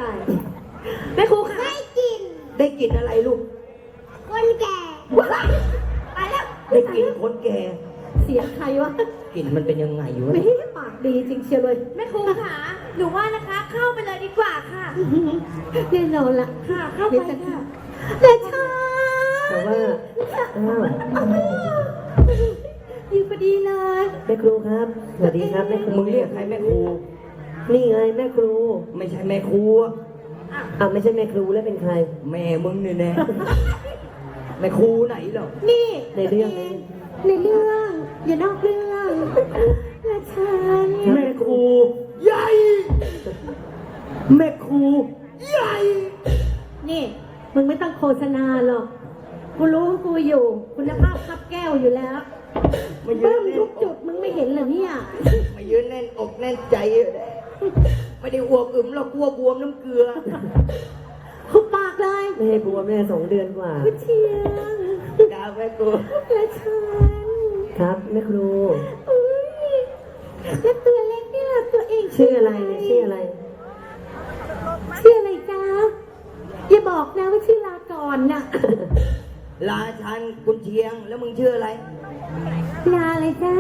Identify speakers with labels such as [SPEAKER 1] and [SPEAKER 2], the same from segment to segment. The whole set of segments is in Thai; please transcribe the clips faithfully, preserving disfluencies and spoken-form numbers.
[SPEAKER 1] แม่ครูค่ะได้กิน
[SPEAKER 2] ได้กลิ่นอะไรลูก
[SPEAKER 1] คนแก่ไปแล้ว
[SPEAKER 2] ได้กลิ่นคนแก่
[SPEAKER 1] เสียงใครวะ
[SPEAKER 2] กลิ่นมันเป็นยังไงอยู่วะ
[SPEAKER 1] ไม่ปากดีจริงเชียวเลยแม่ครูค่ะหนูว่านะคะ เข้าไปเลยดีกว่าค่ะแน่นอนละค่ะเข้าไปค่ะเด็กชา
[SPEAKER 3] แต่ว่าอ้าว
[SPEAKER 1] อยู่พอดีเลย
[SPEAKER 3] แม่ครูครับสวัสดีครับแม่ครู
[SPEAKER 2] มึงเรียกใครแม่ครู
[SPEAKER 3] นี่ไงแม่ครู
[SPEAKER 2] ไม่ใช่แม่ครูอะ
[SPEAKER 3] อ่าไม่ใช่แม่ครูแล้วเป็นใคร
[SPEAKER 2] แม่มึงเนี่ยแน่แม่ครูไหนหรอ
[SPEAKER 1] นี่
[SPEAKER 3] ในเรื่องนี้
[SPEAKER 1] ในเรื่องอย่านอกเรื่องและฉัน
[SPEAKER 2] แม่ครูใหญ่แม่ครูใหญ่
[SPEAKER 1] นี่มึงไม่ต้องโฆษณาหรอกกูรู้ว่ากูอยู่คุณภาพคับแก้วอยู่แล้ว
[SPEAKER 2] มายื
[SPEAKER 1] เบิ้
[SPEAKER 2] น
[SPEAKER 1] ม
[SPEAKER 2] แน่น
[SPEAKER 1] ทุก
[SPEAKER 2] อ
[SPEAKER 1] จุ
[SPEAKER 2] ก
[SPEAKER 1] ดมึงไม่เห็นเหรอเนี่ย
[SPEAKER 2] มายืนแน่นอกแน่นใจอยู่เลยไม่ได้อ้วกอึมหรอกกลัวบวมน้ำเกลือ
[SPEAKER 1] หุบปากเลย
[SPEAKER 3] ไม่ให้บัวแม่สองเดือนกว่า
[SPEAKER 1] กูเชียง
[SPEAKER 2] ดาวแม่ครู
[SPEAKER 1] และฉัน
[SPEAKER 3] ครับแม่ครู
[SPEAKER 1] อุ้ยแล้วตัวเล็กนี่ล่ะตัวเอง
[SPEAKER 3] ชื่ออะไรเนี่ยชื่ออะไร
[SPEAKER 1] ชื่ออะไรจ๊ะอย่าบอกนะว่าชื่อลาก่อนน่ะ
[SPEAKER 2] ลาชันกุนเชียงแล้วมึงชื่ออะไร
[SPEAKER 1] ลาอะไรจ๊ะ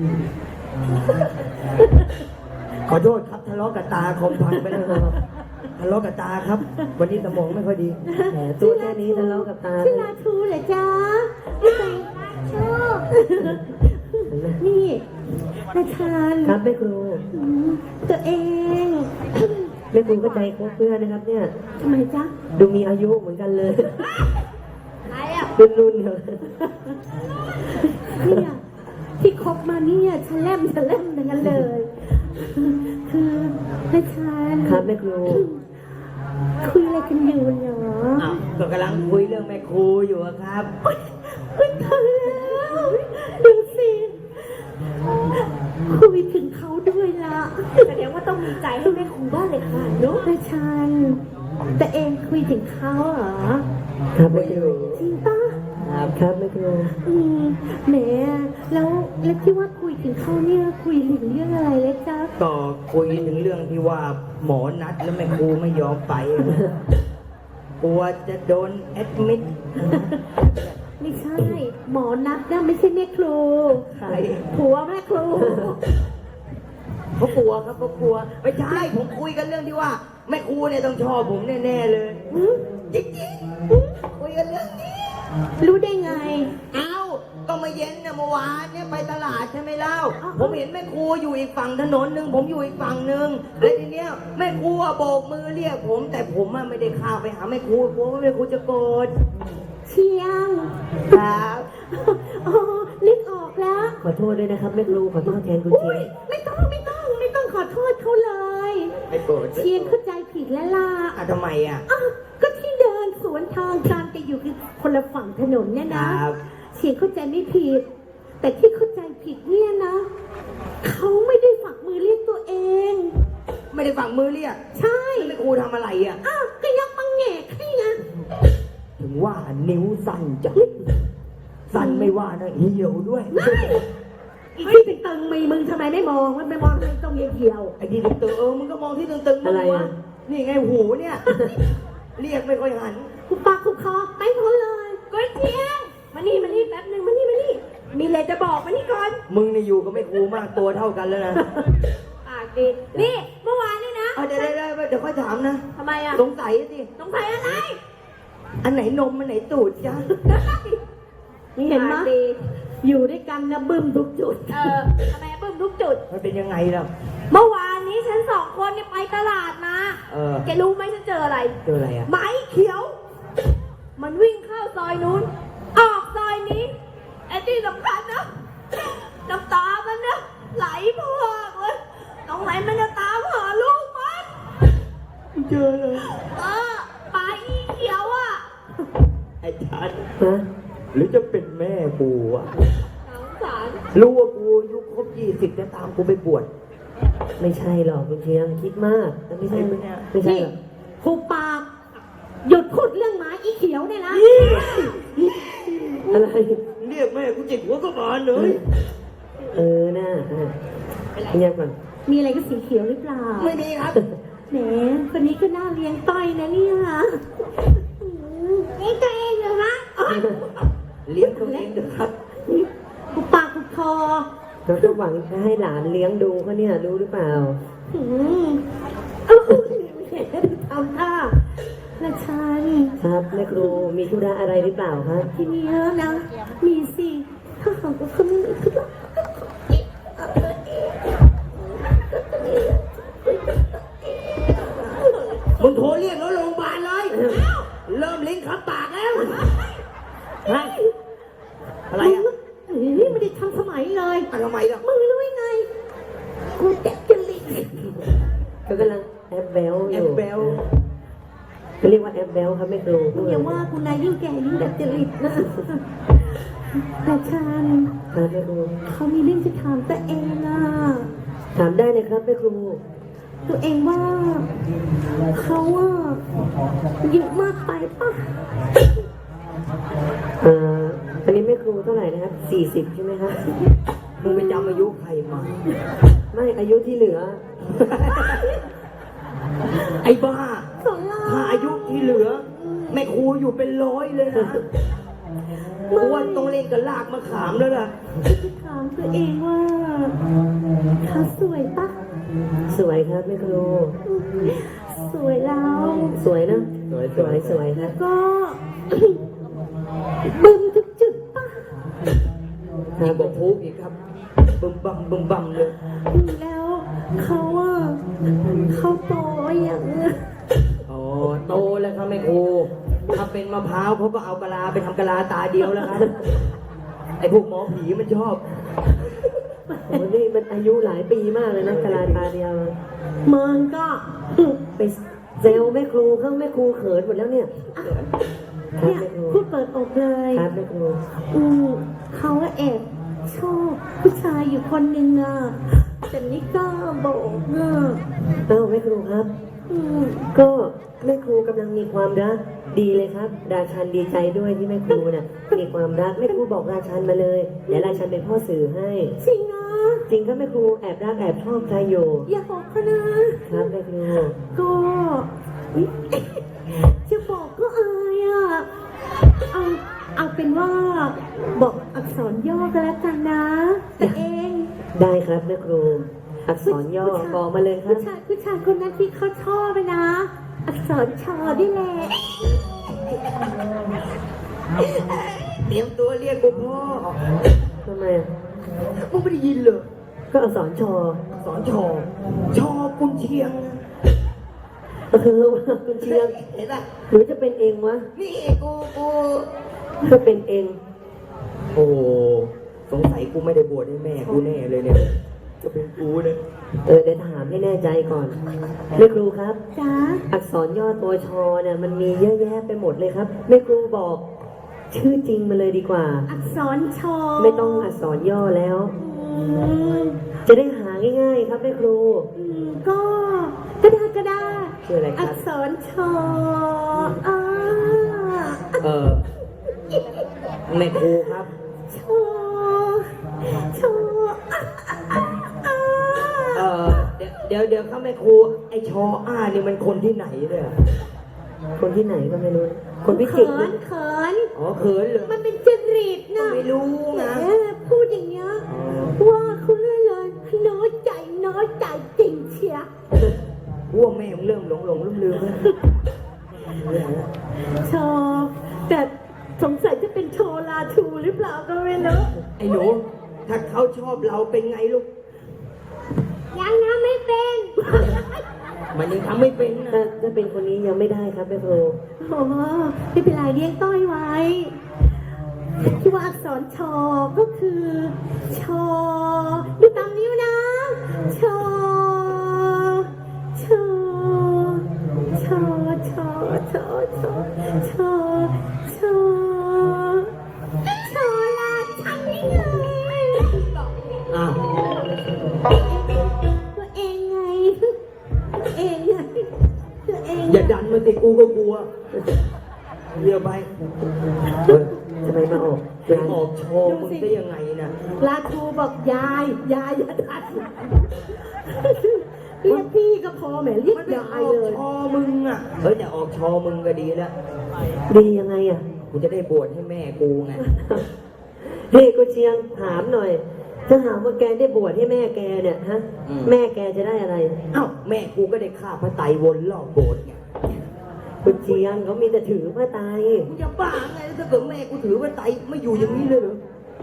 [SPEAKER 2] ขอโทษครับทะเลาะกับตาคอมพังไปแล้วครับทะเลาะกับตาครับ วันนี้สมองไม่ค่อยดี
[SPEAKER 3] แหมตัวแค่นี้ทะเลาะกับตา
[SPEAKER 1] ชื่อลาทูเหรอจ๊ะไม่ใช่ชอบนี่นาชาน
[SPEAKER 3] ครับแม่ครู
[SPEAKER 1] ตัวเอง
[SPEAKER 3] แม่ครูก็ใจคบเพื่อนนะครับ เนี่ย
[SPEAKER 1] ทำไมจ๊ะ
[SPEAKER 3] ดูมีอายุเหมือนกันเลย
[SPEAKER 1] อะไรอ่ะ
[SPEAKER 3] รุ่นรุ่นๆเดียวกัน
[SPEAKER 1] เนี่ยที่คบมาเนี่ยฉลมฉลมทั้งนั้นเลย คือนาชาน
[SPEAKER 3] ครับแม่ครู
[SPEAKER 1] คุยอะไรกันอยู่เหรอ
[SPEAKER 2] อ้าวก็กำลังคุยเรื่องแม่ครูอยู่อะครับ
[SPEAKER 1] คุยกันแล้วดูสิคุยถึงเขาด้วยละแสดงว่าต้องมีใจให้แม่ครูบ้านเลยค่ะนุ๊กนาชานแต่เองคุยถึงเขาเหรอ
[SPEAKER 3] ครับแม่ครู
[SPEAKER 1] จริงปะ
[SPEAKER 3] ครับครับแม่ครู
[SPEAKER 1] อืมแหมแล้วแล้วที่ว่าคุยถึงเขาเนี่ยคุยถึงเรื่องอะไรเลยจ๊ะ
[SPEAKER 2] ก็คุยถึงเรื่องที่ว่าหมอนัดแล้วแม่ครูไม่ยอมไป กลัวจะโดนแอดมิด
[SPEAKER 1] ไม่ใช่ หมอนัดนะไม่ใช่แม่ครู
[SPEAKER 2] ใคร
[SPEAKER 1] ผัวแม่ครู
[SPEAKER 2] เขากลัวครับเขากลัวไม่ใช่ผมคุยกันเรื่องที่ว่าแม่ครูเนี่ยต้องชอบผมแน่ๆเลย
[SPEAKER 1] หืม
[SPEAKER 2] จริงๆคุยกันเรื่องนี้
[SPEAKER 1] รู้ได้ไง
[SPEAKER 2] เอ้าก็มาเย็นเนี่ยเมื่อวานเนี่ยไปตลาดใช่ไหมเล่า
[SPEAKER 1] อ้าว
[SPEAKER 2] ผมเห็นแม่ครูอยู่อีกฝั่งถนนหนึ่งผมอยู่อีกฝั่งหนึ่งแล้วทีเนี้ยแม่ครูอะโบกมือเรียกผม แต่ผมอะไม่ได้เข้าไปหาแม่ครูกลัวว่าแม่ครูจะโกรธ
[SPEAKER 1] เชียง
[SPEAKER 2] ครับ
[SPEAKER 1] อ๋อนึกออกแล้ว
[SPEAKER 3] ขอโทษด้วยนะครับแม่ครูขอโทษแทนคุณ
[SPEAKER 1] อุ้
[SPEAKER 3] เชีย
[SPEAKER 1] ย
[SPEAKER 3] ง
[SPEAKER 1] ไม่ต้องไม่ต้องไม่ต้องขอโทษเขาเลย
[SPEAKER 2] ไม่โกรธ
[SPEAKER 1] เชียงเข้าใจผิดแล้วล่ะ
[SPEAKER 2] อ่ะทำไมอ่ะ
[SPEAKER 1] อ้าวก็ที่เดินสวนทางกันจะอยู่คือคนละฝั่งถนนเนี่ยนะครับ เชียงเข้าใจไม่ผิด แต่ที่เข้าใจผิดเนี่ยนะเขาไม่ได้ฝักมือเรียกตัวเอง
[SPEAKER 2] ไม่ได้ฝั่งมือเรียก
[SPEAKER 1] ใช่
[SPEAKER 2] แล้วแม่ครูทำอะไรอ่ะ
[SPEAKER 1] อ้าวก็ยักปังแงกให้ไง
[SPEAKER 2] ถึงว่านิ้วสั้นจังสั้นไม่ว่านะเหี่ยวด้วย
[SPEAKER 1] อีกที่ตึงๆมีมึงทำไมไม่มองมันไม่มองตรงตรงเหี่ยว
[SPEAKER 2] ไอ้ที่ตึงๆเออมึงก็มองที่ตึงๆมึงวะนี่ไงหูเนี่ย เรียกไม่ค่อยหัน
[SPEAKER 1] ๆกูปากกูคอไปพ้นเลยก้อยเชียงมานี่มานี่แป๊บหนึ่งมานี่มานี่มีอะไรจะบอกมานี่ก่อน
[SPEAKER 2] มึงนี่อยู่กับแม่ครูมากตัวเท่ากันแล้วนะ
[SPEAKER 1] ปากดีนี่เมื่อวานนี่นะ
[SPEAKER 2] เอาเดี๋ยวเดี๋ยวเดี๋ยวค่อยถามนะ
[SPEAKER 1] ทำไมอ่ะ
[SPEAKER 2] สงสัยสิ
[SPEAKER 1] สงสัยอะไร
[SPEAKER 2] อันไหนนมอันไหนตูดจ้า
[SPEAKER 1] นี่เห็นไหมอยู่ด้วยกันนะบึ้มทุกจุดเออทำไมบึ้มทุกจุด
[SPEAKER 2] มันเป็นยังไงล่ะ
[SPEAKER 1] เมื่อวานนี้ฉันสองคนเนี่ยไปตลาดมา
[SPEAKER 2] เออ
[SPEAKER 1] แกรู้ไหมฉันเจออะไร
[SPEAKER 2] เจออะไรอ่ะ
[SPEAKER 1] ไม้เขียว มันวิ่งเข้าซอยนู้น ออกซอยนี้ ไอ้ที่สำคัญนะน้ำตามันนะไหลพอกเลยตรงไหนมันจะตามหาลูกมัน
[SPEAKER 2] เจอเลย
[SPEAKER 1] เออปลาอีเขียวอ่ะ
[SPEAKER 2] ไอ้ชัน
[SPEAKER 3] ฮะ
[SPEAKER 2] หรือจะเป็นแม่กูอ่ะ
[SPEAKER 1] สงสาร
[SPEAKER 2] รู้ว่ากูอายุครบยี่สิบจะตามกูไปบวช
[SPEAKER 3] ไม่ใช่หรอกคุณเชียงคิดมากแต่ไม่ใช่ไม่ไม่ใช่
[SPEAKER 1] นี่
[SPEAKER 3] หรอก
[SPEAKER 1] ผูปากหยุดพูดเรื่องหมาอีเขียวเนี่ยนะ
[SPEAKER 3] อะไร
[SPEAKER 2] เรียกแม่กูจิกหัวก็บานเลย
[SPEAKER 3] เออน่าอ่ะเงียบก่อน
[SPEAKER 1] มีอะไรกับสีเขียวหรือเปล่า
[SPEAKER 2] ไม่มีครับ
[SPEAKER 1] แหมคนนี้ก็น่าเลี้ยงต้อยนะเนี่ยเลี้ยงตัวเองเหรอฮะ
[SPEAKER 2] เลี้ยงตัวเองเถอะครับ
[SPEAKER 1] กูปากกูคอ
[SPEAKER 3] เราก็หวังจะให้หลานเลี้ยงดูเขาเนี่ยรู้หรือเปล่า
[SPEAKER 1] อืมเอ้าแหมทำท่าละชัน
[SPEAKER 3] ครับแม่ครูมีธุระอะไรหรือเปล่าครับ
[SPEAKER 1] ทีเนี้ยนะ มีสิ ถ้าหากว่าเขาไม่คือ
[SPEAKER 2] มึงโทรเรียกรถโรงพยาบาลเลย เริ่มลิ้นขับปากแล้วฮะอะไรอ่ะ
[SPEAKER 1] นี่ไม่ได้ทำสมัยเลย
[SPEAKER 2] อ่ะทำไมล่ะ
[SPEAKER 1] มึงรู้ยังไง กูแตกจะลิง
[SPEAKER 3] เขากำลังแอบแบลอ
[SPEAKER 2] แอยู่ บเบล
[SPEAKER 3] เขาเรียกว่าแอบแบลครับแม่ครู
[SPEAKER 1] มึงอย่าว่ากูนายยิ่งแก่ยิ่งแตกจะลิงนะแต่ชัน
[SPEAKER 3] ครับแม่ครู
[SPEAKER 1] เขามีเรื่องจะถามตัวเองอ่ะ
[SPEAKER 3] ถามได้เลยครับแม่ครู
[SPEAKER 1] ตัวเองว่าเขาอ่ะเยอะมากไปป่ะ
[SPEAKER 3] เอ่ออันนี้แม่ครูเท่าไหร่นะครับสี่สิบใช่ไหมครับ
[SPEAKER 2] มึงไปจำอายุใครมา
[SPEAKER 3] ไม่อายุที่เหลือ
[SPEAKER 2] ไอ้บ้า
[SPEAKER 1] สองล้า
[SPEAKER 2] ถ้าอายุที่เหลือ แม่ครูอยู่เป็นร้อยเลยนะกูว่าต้องเล่นกับลากมะขามแล้วล่ะ
[SPEAKER 1] จะถามตัวเองว่าเขาสวยปะ
[SPEAKER 3] สวยครับแม่ครู
[SPEAKER 1] สวยแล้ว
[SPEAKER 3] สวยนะ
[SPEAKER 2] สวย
[SPEAKER 3] สวยสวยค
[SPEAKER 1] แล้
[SPEAKER 3] รับ
[SPEAKER 1] วก็ บึมทุกจุดปะ
[SPEAKER 2] ยิ่งกว่าพุกอีกครับ บึมบัมบึมบัมเลย
[SPEAKER 1] แล้วเขาอ่ะเขาโตอย่างเงี้ย
[SPEAKER 2] อ๋อโตแล้วครับแม่ครูถ้าเป็นมะพร้าวเขาก็เอากะลาไปทำกะลาตาเดียวแล้วครับ ไอ้พวกหมอผีมันชอบ
[SPEAKER 3] โอ้นี่มันอายุหลายปีมากเลยนะกะลาตาเดียว
[SPEAKER 1] มันก็
[SPEAKER 3] ไปเซลแม่ครูเข้าแม่ครูเขินหมดแล้วเนี่ยครับ
[SPEAKER 1] เนี่ย
[SPEAKER 3] แม่ครู
[SPEAKER 1] พูดเปิดอกเลย
[SPEAKER 3] ครับแม่ครู
[SPEAKER 1] อืมเขาก็แอบชอบผู้ชายอยู่คนหนึ่งอ่ะแต่นี่ก็บอกอ่ะ
[SPEAKER 3] เอ้าแม่ครูครับ
[SPEAKER 1] อืม
[SPEAKER 3] ก็แม่ครูกำลังมีความรักดีเลยครับ ราชันดีใจด้วยที่แม่ครูเนี่ยมีความรักแม่ครูบอกราชันมาเลยเดี๋ยวราชันเป็นพ่อสื่อให้
[SPEAKER 1] จริงนะ
[SPEAKER 3] จริงครับแม่ครูแอบรักแอบชอบใครอยู่
[SPEAKER 1] อย่าบอกเขานะครับ
[SPEAKER 3] แม่ครู
[SPEAKER 1] ก็จะบอกก็อายอ่ะเอาเอาเป็นว่า บอกอักษรย่อกันแล้วกันนะแต่เอง
[SPEAKER 3] ได้ครับแม่ครู อักษรย่อบอกมาเลยครั
[SPEAKER 1] ผู้
[SPEAKER 3] บ
[SPEAKER 1] ชายผู้ชายคนนั้นที่เขาชอบไปนะ อักษรชอนี่แหละ
[SPEAKER 2] เตรียมตัวเรียกกูพ่อ
[SPEAKER 3] ทำไมอ่ะ
[SPEAKER 2] มึงไม่ได้ยินเลย
[SPEAKER 3] ก็อักษรชอ
[SPEAKER 2] สอนชอชอกุนเชียง
[SPEAKER 3] เออว่าคุณเชียง
[SPEAKER 2] เห็นป่ะ
[SPEAKER 3] หรือจะเป็นเองวะ
[SPEAKER 2] นี่กูกู
[SPEAKER 3] ก็เป็นเอง
[SPEAKER 2] โอ้สงสัยกูไม่ได้บวชให้แม่กูแน่เลยเนี่ย จะเป็นกูเนี่ย
[SPEAKER 3] เออเดี๋ยวถามให้แน่ใจก่อนแม่ครูครับ
[SPEAKER 1] จ้า
[SPEAKER 3] อักษรย่อตัวชอเนี่ยมันมีเยอะแยะไปหมดเลยครับแม่ครูบอก ชื่อจริงมาเลยดีกว่า
[SPEAKER 1] อักษรชอ
[SPEAKER 3] ไม่ต้องอักษรย่อแล้ว
[SPEAKER 1] อืม
[SPEAKER 3] จะได้หาง่ายๆครับแม่ครู
[SPEAKER 1] อืมก็ก็ได้ก็ได้
[SPEAKER 3] ชื่ออะไรค
[SPEAKER 1] อั
[SPEAKER 3] รับ
[SPEAKER 1] กษรชออ่า
[SPEAKER 2] เออแม่ครูครับ
[SPEAKER 1] ชอชออ่ะอ่ะอ่ะ
[SPEAKER 2] เออเดี๋ยวเดี๋ยวเดี๋ยวครับแม่ครู ไอชออ้านี่มันคนที่ไหนเนี่ย
[SPEAKER 3] คนที่ไหนก็ไม่รู้ คนพิจิตร
[SPEAKER 1] เขิ
[SPEAKER 3] นะ
[SPEAKER 1] นเขิน
[SPEAKER 2] อ๋อเขินเหรอ
[SPEAKER 1] มันเป็นจริตนะ
[SPEAKER 2] ไม่รู้นะ
[SPEAKER 1] แหมพูดอย่างเงี้ยว่าเขาเรื่อยเลยน้อยใจน้อยใจจริงเชีย
[SPEAKER 2] กูว่าแม่มึงเริ่มหลงหลงลืมลืมแล้ว
[SPEAKER 1] ชอบแต่สงสัยจะเป็นโชลาทูหรือเปล่าก็ไม่รู้
[SPEAKER 2] ไอ้หนูถ้าเขาชอบเราเป็นไงลูก
[SPEAKER 1] ยังนะไม่เป็น
[SPEAKER 2] มันยังทำไม่เป็น
[SPEAKER 3] ถ้า
[SPEAKER 2] นะ
[SPEAKER 3] ถ้าเป็นคนนี้ยังไม่ได้ครับแม่ครู
[SPEAKER 1] โอ้ไม่เป็นไรเลี้ยงต้อยไว้ที่ว่าอักษรชอก็คือชอดูตามนิ้วนะชอชอชอชอชอชอชอชอชอลาชันนี่ไง
[SPEAKER 2] อ้าว
[SPEAKER 1] ตัวเองไงตัวเองไงตัวเอง
[SPEAKER 2] อย่าดันมาติกูก็กลัวเรียวไป
[SPEAKER 3] เฮ้ยทำไมมาออก
[SPEAKER 2] ไปออกโชว์มึงได้ยังไงนะ
[SPEAKER 1] ลาทูบอกยาย ยายอย่าดันเรียกพี่ก็พอแหมเรียก
[SPEAKER 2] มันไม่
[SPEAKER 1] ยา
[SPEAKER 2] อย อก
[SPEAKER 1] เลย
[SPEAKER 2] ชอมึงอ่ะเฮ้ยแต่ออกชอมึงก็ดีแล้ว
[SPEAKER 3] ดียังไงอ่ะ
[SPEAKER 2] กูจะได้บวชให้แม่กูไง
[SPEAKER 3] เฮ้ยกูเชียงถามหน่อย ถ้าหากว่าแกได้บวชให้แม่แกเนี่ยฮะ
[SPEAKER 2] อืม
[SPEAKER 3] แม่แกจะได้อะไร
[SPEAKER 2] เอ้าแม่กูก็ได้ฆ่าพระไตรวนรอบโบสถ์ไง
[SPEAKER 3] คุณเชียงเขามีแต่ถือพระไตร
[SPEAKER 2] กูจะบ้าไงถ้าเกิดแม่กูถือพระไตรไม่อยู่อย่างนี้เลยเหรอ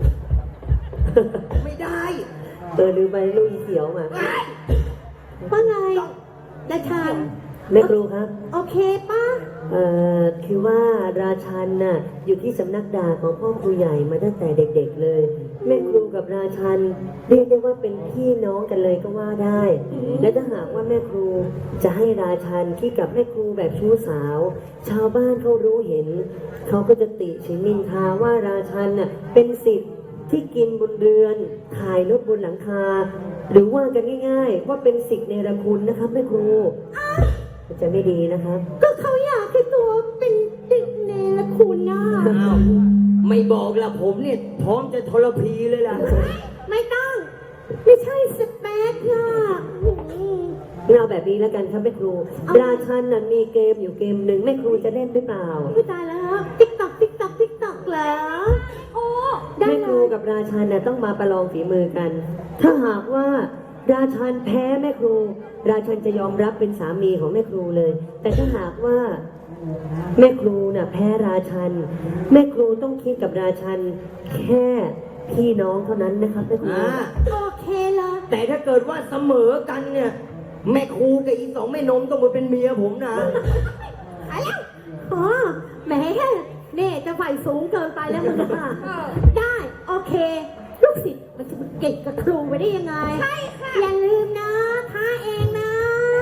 [SPEAKER 2] ไม่ได้
[SPEAKER 3] เออลืมไปลูกอีเสียวมา
[SPEAKER 1] ว่าไงดาชาน
[SPEAKER 3] แม่ครูครับ
[SPEAKER 1] โอเคป้า
[SPEAKER 3] เอ่อคือว่าราชันน่ะอยู่ที่สำนักดาบของพ่อครูใหญ่มาตั้งแต่เด็กๆเลย แม่ครูกับราชันเรียกได้ว่าเป็นพี่น้องกันเลยก็ว่าได้ และถ้าหากว่าแม่ครูจะให้ราชันคิดกับแม่ครูแบบชู้สาว ชาวบ้านเขารู้เห็น เขาก็จะติฉินนินทาว่าราชันน่ะเป็นสิทธิ์ที่กินบนเรือนขายรถบนหลังคา หรือว่ากันง่าย ๆ ว่าเป็นสิทธิ์เนรคุณนะครับแม่ครู มันจะไม่ดีนะครับ
[SPEAKER 1] ก็เขาอยากให้ตัวเป็นติดเนรคุณนะ
[SPEAKER 2] อ้าวไม่บอกละผมเนี่ยพร้อมจะทรพีเลยล่ะ
[SPEAKER 1] ไม่ต้อง ไม่ใช่สเปคค่ะอืม
[SPEAKER 3] เราแบบนี้แล้วกันครับแม่ครู ราชันน่ะมีเกมอยู่เกมหนึ่งแม่ครูจะเล่นหรือเปล่า
[SPEAKER 1] ไม่ตายแล้วติ๊กตอกติ๊กตอกติ๊กตอกเหรอโอ้ได้
[SPEAKER 3] แม่
[SPEAKER 1] เล
[SPEAKER 3] ครู
[SPEAKER 1] ย
[SPEAKER 3] กับราชันน่ะต้องมาประลองฝีมือกัน ถ้าหากว่าราชันแพ้แม่ครู ราชันจะยอมรับเป็นสามีของแม่ครูเลย แต่ถ้าหากว่าแม่ครูน่ะแพ้ราชัน แม่ครูต้องคิดกับราชันแค่พี่น้องเท่านั้นนะครับแม่ครู
[SPEAKER 2] อ่า
[SPEAKER 1] โอเคเลย
[SPEAKER 2] แต่ถ้าเกิดว่าเสมอกันเนี่ย แม่ครูกับอีสองแม่นมต้องมาเป็นเมียผมนะ
[SPEAKER 1] ไปแล้วอ๋อแหมเน่จะไฟสูงเกินไปแล้วมึงค่ะได้ โอเค ลูกศิษย์มันจะมาเก่งกับครูไปได้ยังไง ใช่ค่ะ อย่าลืมนะท้าเองนะ